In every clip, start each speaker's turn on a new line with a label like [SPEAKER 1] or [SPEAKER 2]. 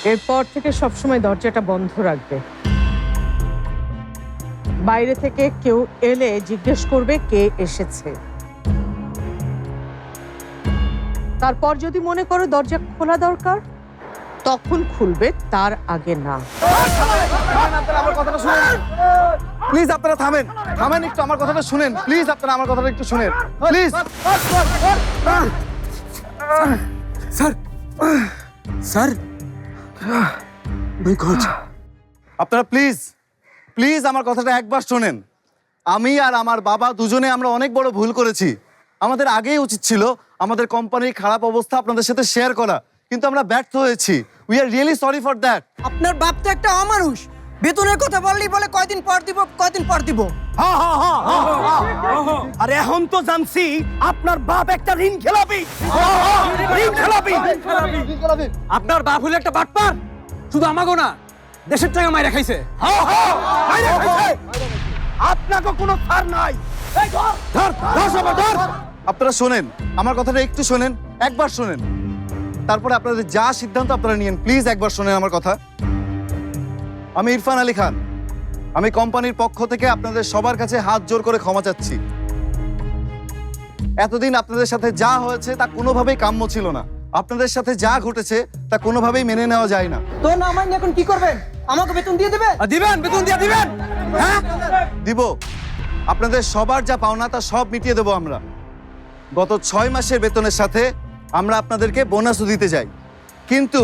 [SPEAKER 1] এরপর থেকে সবসময় দরজাটা বন্ধ রাখবে। বাইরে থেকে কেউ এলে জিজ্ঞেস করবে কে এসেছে। তারপর যদি মনে করো দরজা খোলা দরকার, তখন খুলবে, তার আগে না।
[SPEAKER 2] আমার কথাটা শুনেন প্লিজ, আপনারা থামেন থামেন একটু, আমার কথাটা শুনেন প্লিজ, আপনারা আমার কথাটা একটু শুনেন প্লিজ।
[SPEAKER 3] স্যার স্যার
[SPEAKER 2] আপনারা প্লিজ প্লিজ আমার কথাটা একবার শোনেন। আমি আর আমার বাবা দুজনে আমরা অনেক বড় ভুল করেছি। আমাদের আগেই উচিত ছিল আমাদের কোম্পানির খারাপ অবস্থা আপনাদের সাথে শেয়ার করা, কিন্তু আমরা ব্যর্থ হয়েছি। We are really sorry for that.
[SPEAKER 4] আপনার বাপ তো একটা অমানুষ, বেতনের কথা বললেই বলে কয়দিন পর দিব কয়দিন পর দিব।
[SPEAKER 3] আর এখন তো জানছি আপনার বাপ একটা ঋণ খেলাপি। আপনার বাপ হলো একটা বাটপার, শুধু আমাগো না দেশের টাকা মাইরা খাইছে। আপনাকে কোনো ছাড় নাই।
[SPEAKER 2] আপনারা শোনেন, আমার কথাটা একটু শোনেন, একবার শোনেন, তারপরে আপনাদের যা সিদ্ধান্ত আপনারা নিয়েন। প্লিজ একবার শোনেন আমার কথা। আমি ইরফান আলী খান, আমি কোম্পানির পক্ষ থেকে আপনাদের সবার কাছে হাত জোর করে ক্ষমা চাচ্ছি। এতদিন আপনাদের সাথে যা হয়েছে তা কোনোভাবেই কাম্য ছিল না। আপনাদের সাথে যা ঘটেছে তা কোনোভাবেই মেনে নেওয়া যায় না।
[SPEAKER 4] তো না মাইনে এখন কি করবেন? আমাকে বেতন দিয়ে দেবেন?
[SPEAKER 3] দিবেন, বেতন দিয়ে দিবেন। হ্যাঁ
[SPEAKER 2] দিব, আপনাদের সবার যা পাওনা তা সব মিটিয়ে দেবো আমরা। গত 6 মাসের বেতনের সাথে আমরা আপনাদেরকে বোনাসও দিতে যাই, কিন্তু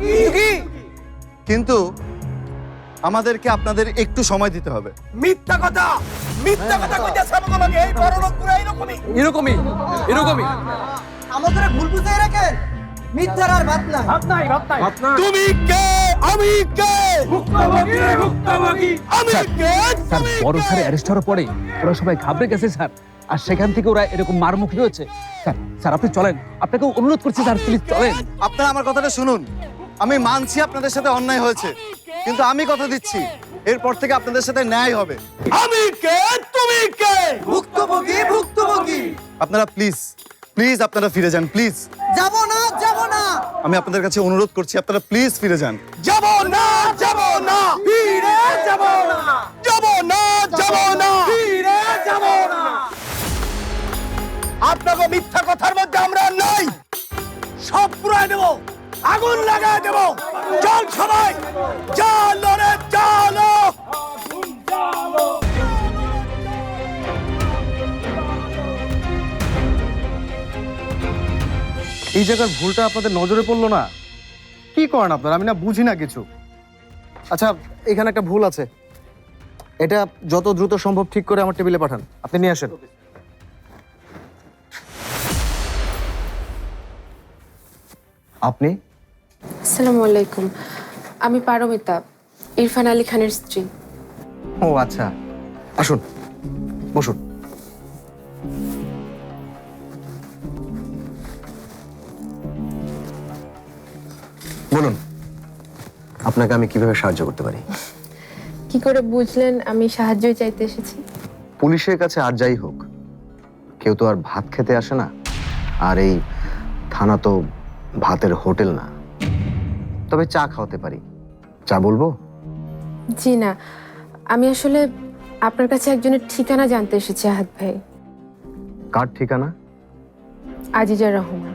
[SPEAKER 2] কিন্তু আমাদেরকে আপনাদের একটু সময় দিতে হবে।
[SPEAKER 3] মিথ্যা কথা কইতাছে আমাকে। এই বড় লোকগুলো এরকমই
[SPEAKER 4] আমাদের ভুল বুঝাই রাখেন, মিথ্যার আর ভাত নাই।
[SPEAKER 3] তুমি কে আমি কে আমি কে।
[SPEAKER 5] স্যার বড় স্যার অ্যারেস্ট হওয়ার পরে ওরা সবাই ঘাবড়ে গেছে স্যার, আর সেখান থেকে ওরা এরকম মারমুখী হয়েছে। স্যার স্যার আপনি চলেন, আপনাকে অনুরোধ করছি স্যার, প্লিজ চলেন।
[SPEAKER 2] আপনারা আমার কথাটা শুনুন। আমি মানছি আপনাদের সাথে অন্যায় হয়েছে, কিন্তু আমি কথা দিচ্ছি এরপর থেকে আপনাদের সাথে ন্যায় হবে।
[SPEAKER 3] আমি কে তুমি কে।
[SPEAKER 4] ভুক্তভোগী।
[SPEAKER 2] আপনারা প্লিজ প্লিজ আপনারা ফিরে যান, প্লিজ।
[SPEAKER 4] যাব না।
[SPEAKER 2] আমি আপনাদের কাছে অনুরোধ করছি, আপনারা প্লিজ ফিরে যান।
[SPEAKER 3] যাব না ফিরে যাব না ফিরে যাব না। আপনাকে মিথ্যা কথার মধ্যে আমরা নাই, সব পুরাই দেব, আগুন লাগাই দেব। চল সবাই, চলো রে চলো।
[SPEAKER 6] এই জায়গার ভুলটা আপনাদের নজরে পড়লো না? কি করেন আপনারা? আমি না বুঝি না কিছু। আচ্ছা, এখানে একটা ভুল আছে, এটা যত দ্রুত সম্ভব ঠিক করে আমার টেবিলে পাঠান। আপনি নিয়ে আসেন। আপনি?
[SPEAKER 7] আসসালামু আলাইকুম, আমি পারমিতা, ইরফান আলী খানের স্ত্রী।
[SPEAKER 6] ও আচ্ছা, আসুন বসুন। বলুন, আপনাকে আমি কিভাবে সাহায্য করতে পারি?
[SPEAKER 7] কি করে বুঝলেন আমি সাহায্যই চাইতে এসেছি?
[SPEAKER 6] পুলিশের কাছে আর যাই হোক, কেউ তো আর ভাত খেতে আসে না, আর এই থানা তো ভাতের হোটেল না। তবে চা খাওয়াতে পারি। চা বলবো?
[SPEAKER 7] জি না, আমি আসলে আপনার কাছে একজনের ঠিকানা জানতে এসেছি আহাদ ভাই।
[SPEAKER 6] কার ঠিকানা?
[SPEAKER 7] আজিজা রহমান।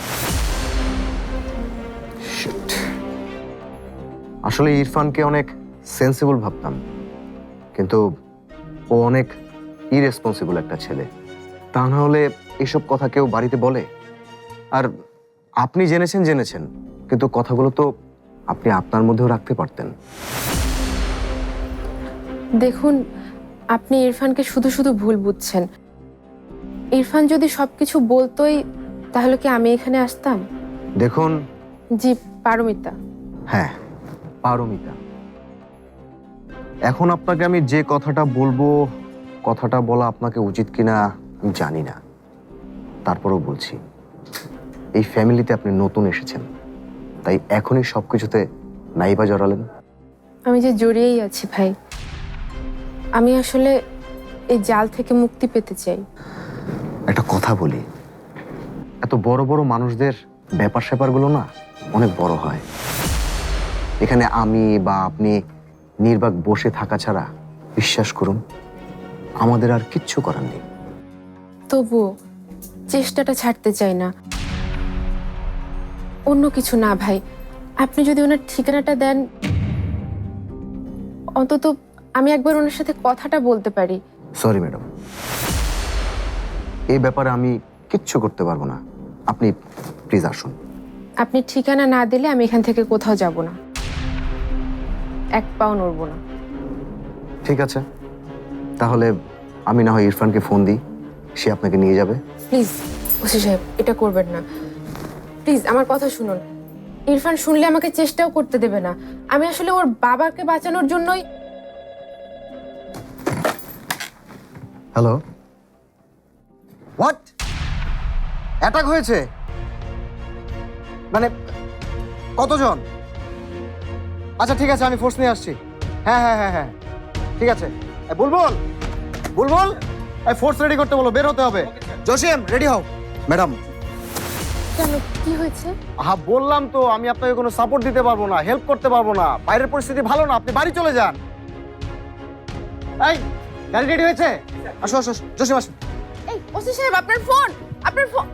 [SPEAKER 6] আসলে ইরফানকে অনেক সেন্সিবল ভাবতাম, কিন্তু ও অনেক ইরেসপন্সিবল একটা ছেলে। তা না হলে এসব কথা কেউ বাড়িতে বলে? আর আপনি জেনেছেন, কিন্তু কথাগুলো তো আপনি আপনার মধ্যেও রাখতে পারতেন।
[SPEAKER 7] দেখুন, আপনি ইরফানকে শুধু শুধু ভুল বুঝছেন। ইরফান যদি সবকিছু বলতোই তাহলে কি আমি এখানে আসতাম?
[SPEAKER 6] দেখুন।
[SPEAKER 7] জি, পারমিতা।
[SPEAKER 6] হ্যাঁ, পারমিতা। এখন আপনাকে আমি যে কথাটা বলবো, কথাটা বলা আপনাকে উচিত কিনা আমি জানি না, তারপরেও বলছি। এই ফ্যামিলিতে আপনি নতুন এসেছেন, তাই এখনই সবকিছুতে নাইবা জড়ালেন।
[SPEAKER 7] আমি যে জড়িয়েই আছি ভাই, আমি আসলে এই জাল থেকে মুক্তি পেতে চাই।
[SPEAKER 6] একটা কথা বলি, এত বড় বড় মানুষদের ব্যাপার স্যাপারগুলো না অনেক বড় হয়। এখানে আমি বা আপনি নির্বাক বসে থাকা ছাড়া বিশ্বাস করুন আমাদের আর কিচ্ছু করার নেই।
[SPEAKER 7] তবু চেষ্টাটা ছাড়তে চাই না। অন্য কিছু না ভাই, আপনি যদি ওনার ঠিকানাটা দেন, অন্তত আমি একবার ওনার সাথে কথাটা বলতে পারি।
[SPEAKER 6] সরি ম্যাডাম, এই ব্যাপারে আমি কিচ্ছু করতে পারবো না। আপনি প্লিজ আসুন।
[SPEAKER 7] আপনি ঠিকানা না দিলে আমি এখান থেকে কোথাও যাব না, এক পাও নড়ব না।
[SPEAKER 6] ঠিক আছে, তাহলে আমি না হয় ইরফানকে ফোন দিই, সে আপনাকে নিয়ে যাবে।
[SPEAKER 7] প্লিজ ওসি সাহেব, এটা করবেন না প্লিজ, আমার কথা শুনুন। ইরফান শুনলে আমাকে চেষ্টাও করতে দেবে না। আমি আসলে ওর বাবাকে বাঁচানোর জন্যই।
[SPEAKER 6] Hello, what? অ্যাটাক হয়েছে? মানে কতজন? আচ্ছা ঠিক আছে, আমি ফোর্স নিয়ে আসছি। হ্যাঁ হ্যাঁ হ্যাঁ হ্যাঁ ঠিক আছে। বুলবুল, বুলবুল, ফোর্স রেডি করতে বলো, বের হতে হবে। জসিম, রেডি হও। ম্যাডাম,
[SPEAKER 7] কেন, কি হয়েছে?
[SPEAKER 6] হ্যাঁ বললাম তো, আমি আপনাকে কোনো সাপোর্ট দিতে পারবো না, হেল্প করতে পারবো না। বাইরের পরিস্থিতি ভালো না, আপনি বাড়ি চলে যান। এই গাড়ি রেডি হয়েছে? আসো আসো, জসিম আসো।
[SPEAKER 7] এই ওসি সাহেব, আপনার ফোন, আপনার ফোন।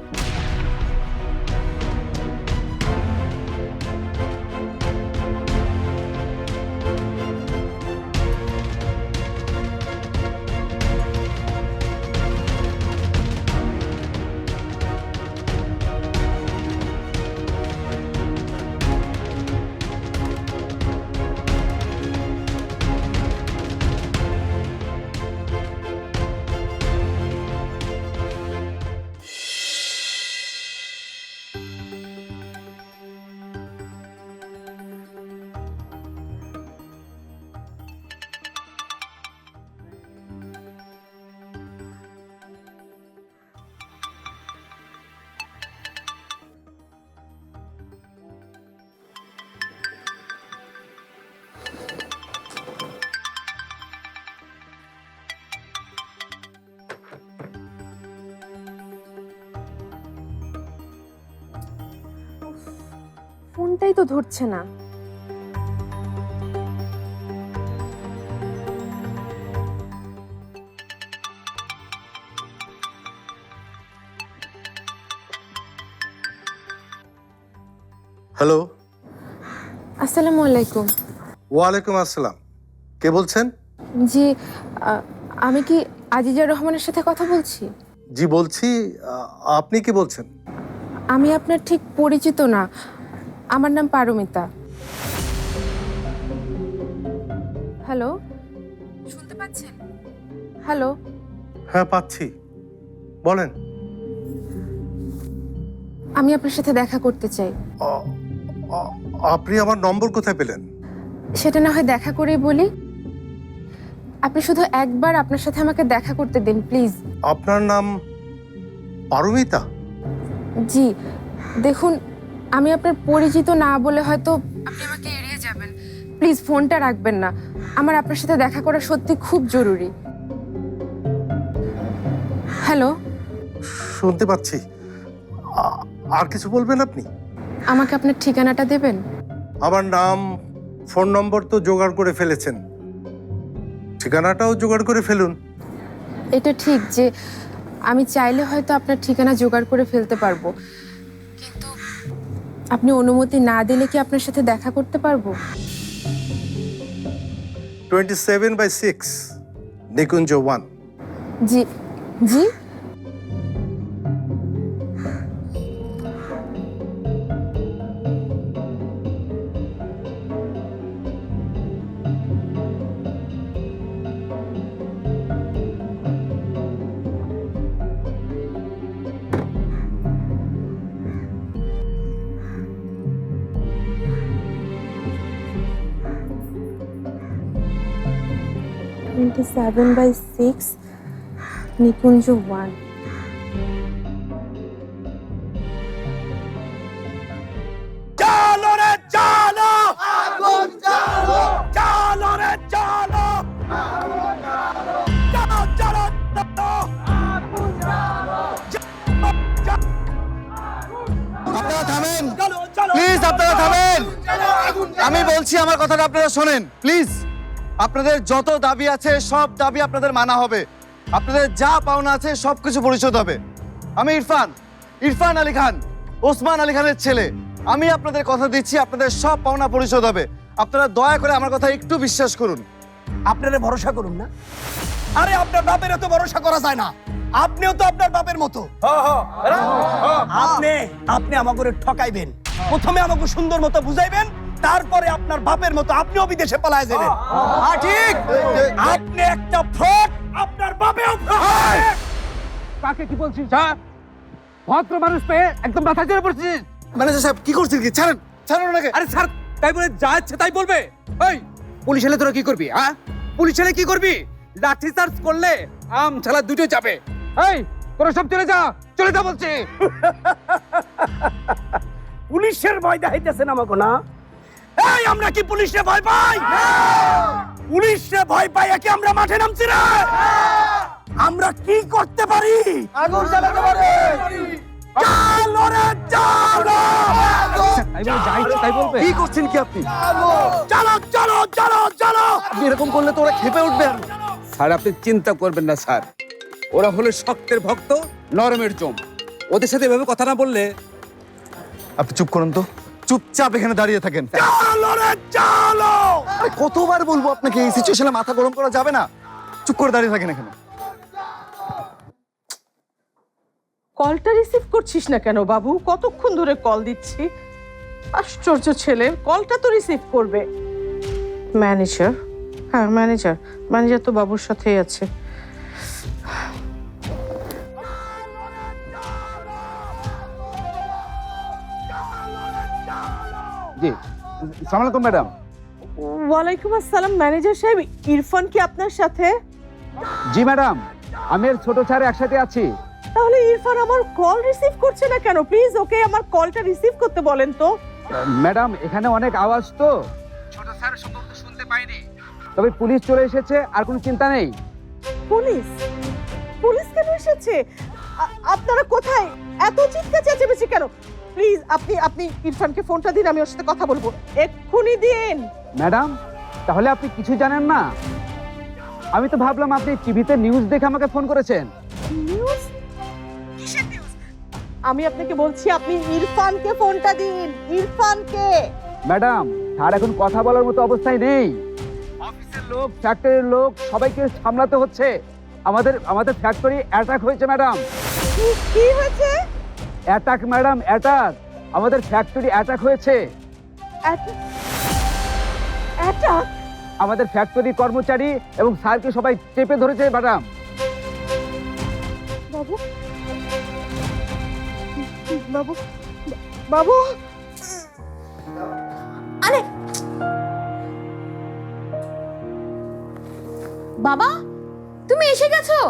[SPEAKER 7] ফোনটাই তো ধরছে না।
[SPEAKER 3] হ্যালো,
[SPEAKER 7] আসসালামু আলাইকুম।
[SPEAKER 3] ওয়ালাইকুম আসসালাম। কে বলছেন?
[SPEAKER 7] জি, আমি কি আজিজা রহমানের সাথে কথা বলছি?
[SPEAKER 3] জি বলছি। আপনি কি বলছেন?
[SPEAKER 7] আমি আপনার ঠিক পরিচিত না, আমার নাম পারমিতা। হ্যালো, শুনতে পাচ্ছেন? হ্যালো।
[SPEAKER 3] হ্যাঁ পাচ্ছি, বলেন।
[SPEAKER 7] আমি আপনার সাথে দেখা করতে চাই।
[SPEAKER 3] আপনি আমার নম্বর কোথায় পেলেন?
[SPEAKER 7] সেটা না হয় দেখা করেই বলি। আপনি শুধু একবার আপনার সাথে আমাকে দেখা করতে দিন প্লিজ।
[SPEAKER 3] আপনার নাম পারমিতা?
[SPEAKER 7] জি, দেখুন, আমি আপনার পরিচিত না বলে হয়তো আপনি আমাকে এড়িয়ে যাবেন। প্লিজ ফোনটা রাখবেন না, আমার আপনার সাথে দেখা করা সত্যি খুব জরুরি। হ্যালো।
[SPEAKER 3] শুনতে পাচ্ছি। আর কিছু বলবেন আপনি?
[SPEAKER 7] আমাকে আপনার ঠিকানাটা দেবেন?
[SPEAKER 3] আমার নাম, ফোন নম্বর তো জোগাড় করে ফেলেছেন, ঠিকানাটাও জোগাড় করে ফেলুন।
[SPEAKER 7] এটা ঠিক যে আমি চাইলে হয়তো আপনার ঠিকানা জোগাড় করে ফেলতে পারবো, কিন্তু আপনি অনুমতি না দিলে কি আপনার সাথে দেখা করতে পারবো?
[SPEAKER 3] 27/6 নিকুঞ্জ 1।
[SPEAKER 7] জি জি। (27/6) নিকুঞ্জ 1।
[SPEAKER 3] চালো রে চালো, আগুন চালো, চালো রে চালো, আগুন চালো, চালো চালো চালো, আগুন চালো,
[SPEAKER 2] আপনারা থামেন
[SPEAKER 3] চলো চলো
[SPEAKER 2] প্লিজ, আপনারা থামেন। আমি বলছি, আমার কথাটা আপনারা শোনেন প্লিজ। আপনাদের যত দাবি আছে সব দাবি আপনাদের মানা হবে। আপনাদের যা পাওনা আছে সবকিছু পরিশোধ হবে। আমি ইরফান আলী খান, ওসমান আলী খানের ছেলে। আমি আপনাদের কথা দিচ্ছি, আপনাদের সব পাওনা পরিশোধ হবে। আপনারা দয়া করে আমার কথা একটু বিশ্বাস করুন।
[SPEAKER 3] আপনারা ভরসা করুন না। আরে আপনার বাপের এত ভরসা করা যায় না। আপনিও তো আপনার বাপের মতো। আপনি আমাকে ঠকাইবেন, প্রথমে আমাকে সুন্দর মতো বুঝাইবেন, তারপরে আপনার বাপের মতো আপনিও বিদেশে পালায় যাবেন। ঠিক, আপনি একটা ফ্রড, আপনার বাপেও ফ্রড।
[SPEAKER 5] কাকে কি বলছিস স্যার? ভদ্র মানুষ পেয়ে একদম মাথা চড়ে পড়ছিস।
[SPEAKER 2] ম্যানেজার সাহেব কি করছেন? কি ছাড়েন, ছাড়েন ওনাকে।
[SPEAKER 5] আরে স্যার তাই বলে যা ইচ্ছে তাই বলবে? এই পুলিশ এলে তোরা কি করবি? হ্যাঁ, পুলিশ এলে কি করবি? লাঠি চার্জ করলে আম ছালা দুটো যাবে। এই তোরা সব চলে যা বলছি।
[SPEAKER 3] পুলিশের ভয় দেখাইতেছেন আমাকে না? এই আমরা কি পুলিশে ভয় পাই? পুলিশে ভয় পাই কি আমরা মাঠে নামছি না? আমরা কি করতে পারি? আগুন জ্বালাতে পারি। চলো রে চলো।
[SPEAKER 5] তাই বলে যা ইচ্ছে তাই বলবে?
[SPEAKER 2] কি করছেন কি আপনি?
[SPEAKER 3] চলো চলো চলো চলো।
[SPEAKER 2] আপনি এরকম করলে তো ওরা খেপে উঠবে।
[SPEAKER 5] স্যার আপনি চিন্তা করবেন না স্যার, ওরা হলো শক্তের ভক্ত, নরমের জম। ওদের সাথে এভাবে কথা না বললে।
[SPEAKER 2] আপনি চুপ করুন তো, চুপচাপ এখানে দাঁড়িয়ে থাকেন।
[SPEAKER 3] চলো রে চলো।
[SPEAKER 2] আরে কতবার বলবো আপনাকে, এই সিচুয়েশনে মাথা গরম করা যাবে না। চুপ করে দাঁড়িয়ে থাকেন এখানে।
[SPEAKER 1] কলটা রিসিভ করছিস না কেন বাবু? কতক্ষণ ধরে কল দিচ্ছি। আশ্চর্য ছেলে, কলটা তো রিসিভ করবে। ম্যানেজার? হ্যাঁ ম্যানেজার তো বাবুর সাথেই আছে।
[SPEAKER 5] জি, আসসালামু আলাইকুম ম্যাডাম।
[SPEAKER 1] ওয়ালাইকুম আসসালাম। ম্যানেজার সাহেব, ইরফান কি আপনার সাথে?
[SPEAKER 5] জি ম্যাডাম, আমি আর ছোট স্যার একসাথে আছি।
[SPEAKER 1] তাহলে ইরফান আমার কল রিসিভ করছে না কেন? প্লিজ ওকে আমার কলটা রিসিভ করতে বলেন তো।
[SPEAKER 5] ম্যাডাম এখানে অনেক আওয়াজ তো, ছোট স্যার সম্ভবত শুনতে পাইনি। তবে পুলিশ চলে এসেছে, আর কোনো চিন্তা নেই।
[SPEAKER 1] পুলিশ কেন এসেছে? আপনারা কোথায়? এত চিৎকার চেঁচামেচি কেন? প্লিজ আপনি ইরফানকে ফোনটা দিন, আমি ওর সাথে কথা বলবো। এক্ষুনি দিন।
[SPEAKER 5] ম্যাডাম তাহলে আপনি কিছু জানেন না? আমি তো ভাবলাম আপনি টিভিতে নিউজ দেখে আমাকে ফোন করেছেন।
[SPEAKER 1] নিউজ? কিসের নিউজ? আমি আপনাকে বলছি আপনি ইরফানকে ফোনটা দিন। ইরফানকে।
[SPEAKER 5] ম্যাডাম স্যার এখন কথা বলার মতো অবস্থায় নেই। অফিসের লোক, ফ্যাক্টরির লোক সবাইকে সামলাতে হচ্ছে। আমাদের ফ্যাক্টরি অ্যাটাক হয়েছে ম্যাডাম।
[SPEAKER 1] কি হয়েছে?
[SPEAKER 5] Attack madam, attack. আমাদের ফ্যাক্টরি অ্যাটাক হয়েছে।
[SPEAKER 1] অ্যাটাক?
[SPEAKER 5] আমাদের ফ্যাক্টরি কর্মচারী এবং স্যারকে সবাই চেপে ধরেছে ম্যাডাম।
[SPEAKER 1] বাবু বাবু বাবু
[SPEAKER 7] আরে বাবা, তুমি এসে গেছো?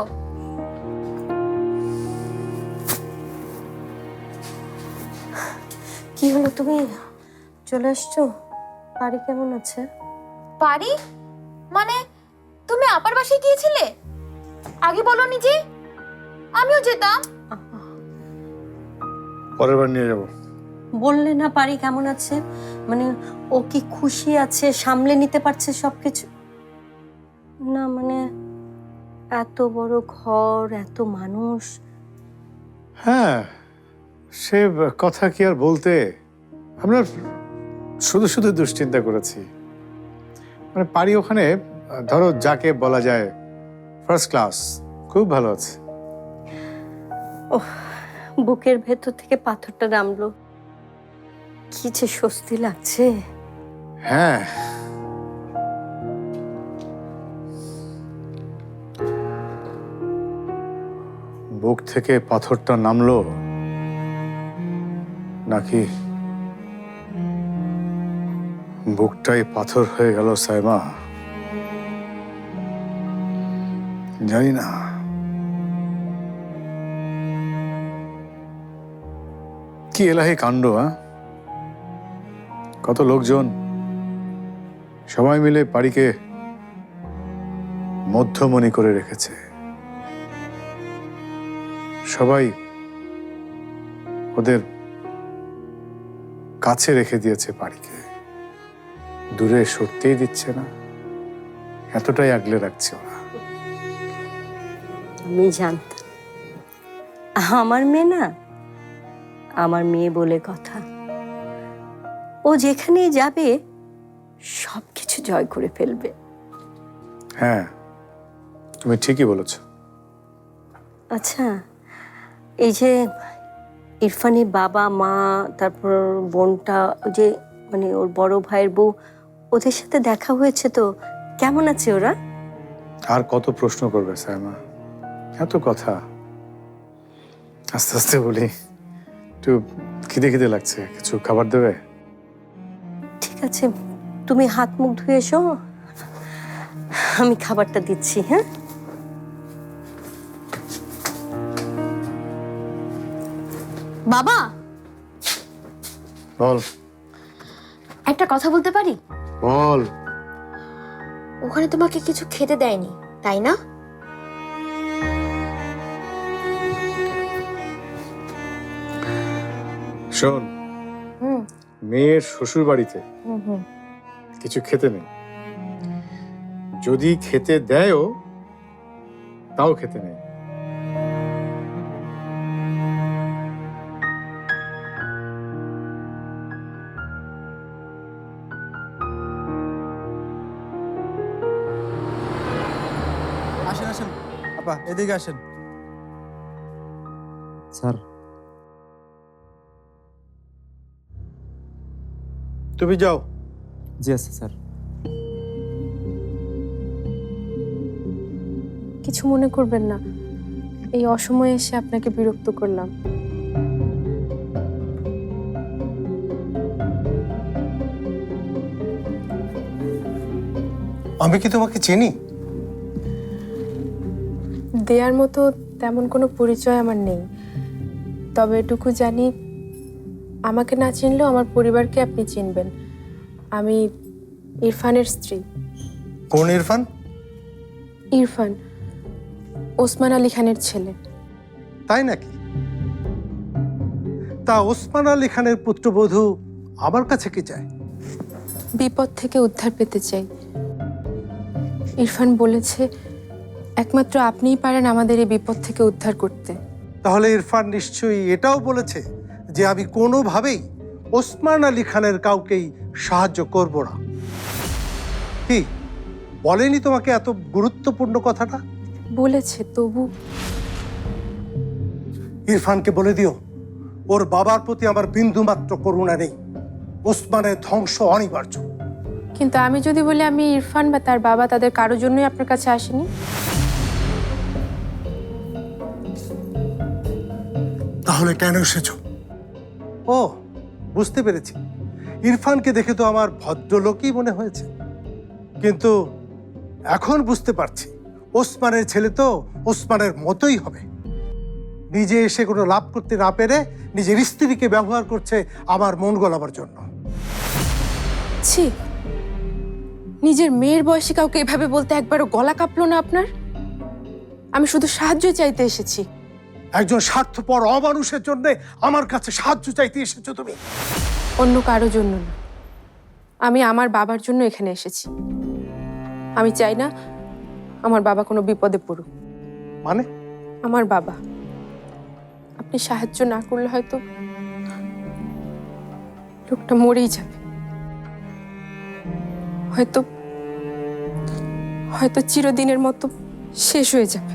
[SPEAKER 8] কি হলো, তুমি চলে আসছো? পারি কেমন আছে?
[SPEAKER 7] পারি মানে তুমি আপার বাসায় গিয়েছিলে? আগে বলোনি যে, আমিও যেতাম।
[SPEAKER 9] পরের বার নিয়ে যাব।
[SPEAKER 8] বললে না পারি কেমন আছে? মানে ও কি খুশি আছে, সামলে নিতে পারছে সবকিছু? না মানে এত বড় ঘর, এত মানুষ।
[SPEAKER 9] হ্যাঁ, সে কথা কি আর বলতে। আমরা শুধু শুধু দুশ্চিন্তা করেছি। মানে পারি ওখানে ধরো যাকে বলা যায় ফার্স্ট ক্লাস, খুব ভালো আছে।
[SPEAKER 8] ওহ, বুকের ভেতর থেকে পাথরটা নামলো। কি যে স্বস্তি লাগছে।
[SPEAKER 9] হ্যাঁ, বুক থেকে পাথরটা নামলো নাকি বুকটাই পাথর হয়ে গেল সাইমা, জানি না। কি এলাহি কাণ্ড। কত লোকজন সবাই মিলে পারিকে মধ্যমণি করে রেখেছে। সবাই ওদের কাছে রেখে দিয়েছে পারিকে, দূরে সরতেই দিচ্ছে না, এতটাই আগলে রাখছে ওরা।
[SPEAKER 8] আমি জানতাম আমার মেয়ে না, আমার মেয়ে বলে কথা, ও যেখানেই যাবে সবকিছু জয় করে ফেলবে।
[SPEAKER 9] হ্যাঁ, তুমি ঠিকই বলেছ।
[SPEAKER 8] আচ্ছা, এই যে ইরফানের বাবা মা, তারপর বোনটা, ওই যে মানে ওর বড় ভাইয়ের বউ, ওদের সাথে দেখা হয়েছে তো? কেমন আছে ওরা?
[SPEAKER 9] আর কত প্রশ্ন করবে সায়মা, এত কথা। আস্তে আস্তে বলি, একটু খিদে খিদে লাগছে, কিছু খাবার দেবে?
[SPEAKER 8] ঠিক আছে, তুমি হাত মুখ ধুয়ে এসো, আমি খাবারটা দিচ্ছি। হ্যাঁ,
[SPEAKER 10] বাবা,
[SPEAKER 9] বল
[SPEAKER 10] একটা কথা বলতে পারি?
[SPEAKER 9] বল।
[SPEAKER 10] ওখানে তোমাকে কিছু খেতে দেয়নি, তাই না?
[SPEAKER 9] শোন, মেয়ের শ্বশুর বাড়িতে কিছু খেতে নেই, যদি খেতে দেয়ও তাও খেতে নেই।
[SPEAKER 11] আসেন আসেন আপা, এদিকে আসেন।
[SPEAKER 6] স্যার,
[SPEAKER 9] তুমি যাও।
[SPEAKER 11] জি আছে স্যার।
[SPEAKER 7] কিছু মনে করবেন না, এই অসময়ে এসে আপনাকে বিরক্ত করলাম।
[SPEAKER 3] আমি কি তোমাকে চিনি?
[SPEAKER 7] দেয়ার মতো তেমন কোনো পরিচয় আমার নেই, তবে এটুকু জানি আমাকে না চিনলেও আমার পরিবারকে আপনি চিনবেন। আমি ইরফানের স্ত্রী।
[SPEAKER 3] কোন ইরফান?
[SPEAKER 7] ইরফান ওসমান আলী খানের ছেলে।
[SPEAKER 3] তাই নাকি? তা ওসমান আলী খানের পুত্রবধূ আমার কাছে কি চায়?
[SPEAKER 7] বিপদ থেকে উদ্ধার পেতে চাই। ইরফান বলেছে একমাত্র আপনিই পারেন আমাদের এই বিপদ থেকে উদ্ধার করতে।
[SPEAKER 3] তাহলে ইরফান নিশ্চয়ই এটাও বলেছে যে আমি কোনোভাবেই ওসমান আলী খানের কাউকেই সাহায্য করব না। কি বলেনি তোমাকে এত গুরুত্বপূর্ণ কথাটা?
[SPEAKER 7] বলেছে, তবু
[SPEAKER 3] ইরফানকে বলে দিও ওর বাবার প্রতি আমার বিন্দুমাত্র করুণা নেই, ওসমানের ধ্বংস অনিবার্য।
[SPEAKER 7] কিন্তু আমি যদি বলি আমি ইরফান বা তার বাবা তাদের কারোর জন্যই আপনার কাছে আসেনি।
[SPEAKER 3] তাহলে কেন এসেছো? ও, বুঝতে পেরেছি, ইরফানকে দেখে তো আমার ভদ্রলোকই মনে হয়েছে, কিন্তু এখন বুঝতে পারছি ওসমানের ছেলে তো ওসমানের মতোই হবে। নিজে এসে কোনো লাভ করতে না পেরে নিজের স্ত্রীকে ব্যবহার করছে আমার মন গলাবার জন্য।
[SPEAKER 7] ছি, নিজের মেয়ের বয়সী কাউকে এভাবে বলতে একবারও গলা কাঁপলো না আপনার? আমি শুধু সাহায্য চাইতে এসেছি।
[SPEAKER 3] একজন স্বার্থপর অমানুষের জন্য আমার কাছে সাহায্য চাইতে এসেছো তুমি?
[SPEAKER 7] অন্য কারো জন্য না, আমি আমার বাবার জন্য এখানে এসেছি। আমি চাই না আমার বাবা কোনো বিপদে পড়ুক।
[SPEAKER 3] মানে?
[SPEAKER 7] আমার বাবা, আপনি সাহায্য না করলে হয়তো লোকটা মরেই যাবে, হয়তো হয়তো চিরদিনের মতো শেষ হয়ে যাবে।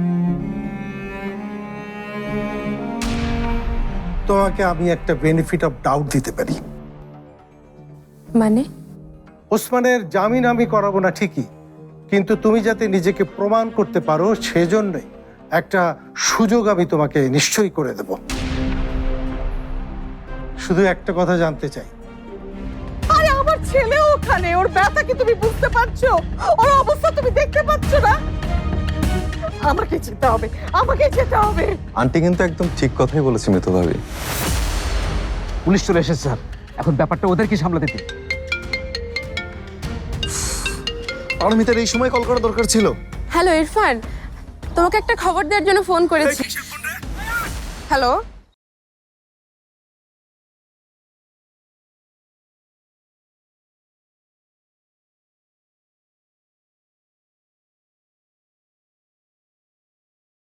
[SPEAKER 3] তোমাকে আমি একটা বেনিফিট অফ ডাউট দিতে পারি।
[SPEAKER 7] মানে?
[SPEAKER 3] ওসমানের জামিন আমি করাবো না ঠিকই, কিন্তু তুমি যাতে নিজেকে প্রমাণ করতে পারো সেজন্যই একটা সুযোগ আমি তোমাকে নিশ্চয়ই করে দেব। শুধু একটা কথা জানতে চাই,
[SPEAKER 1] আরে আমার ছেলে ওখানে, ওর ব্যথা কি তুমি বুঝতে পারছো? ওর অবস্থা তুমি দেখতে পাচ্ছ না? আমাকে যেতে হবে, আমাকে যেতে হবে।
[SPEAKER 6] আন্টি কিন্তু একদম ঠিক কথাই বলেছে মিতু ভাবি।
[SPEAKER 5] পুলিশ চলে এসেছে স্যার, এখন ব্যাপারটা ওদেরকে সামলাতে দিন।
[SPEAKER 2] পারমিতার এই সময় কল করা দরকার ছিল।
[SPEAKER 7] হ্যালো ইরফান, তোমাকে একটা খবর দেওয়ার জন্য ফোন করেছি। হ্যালো।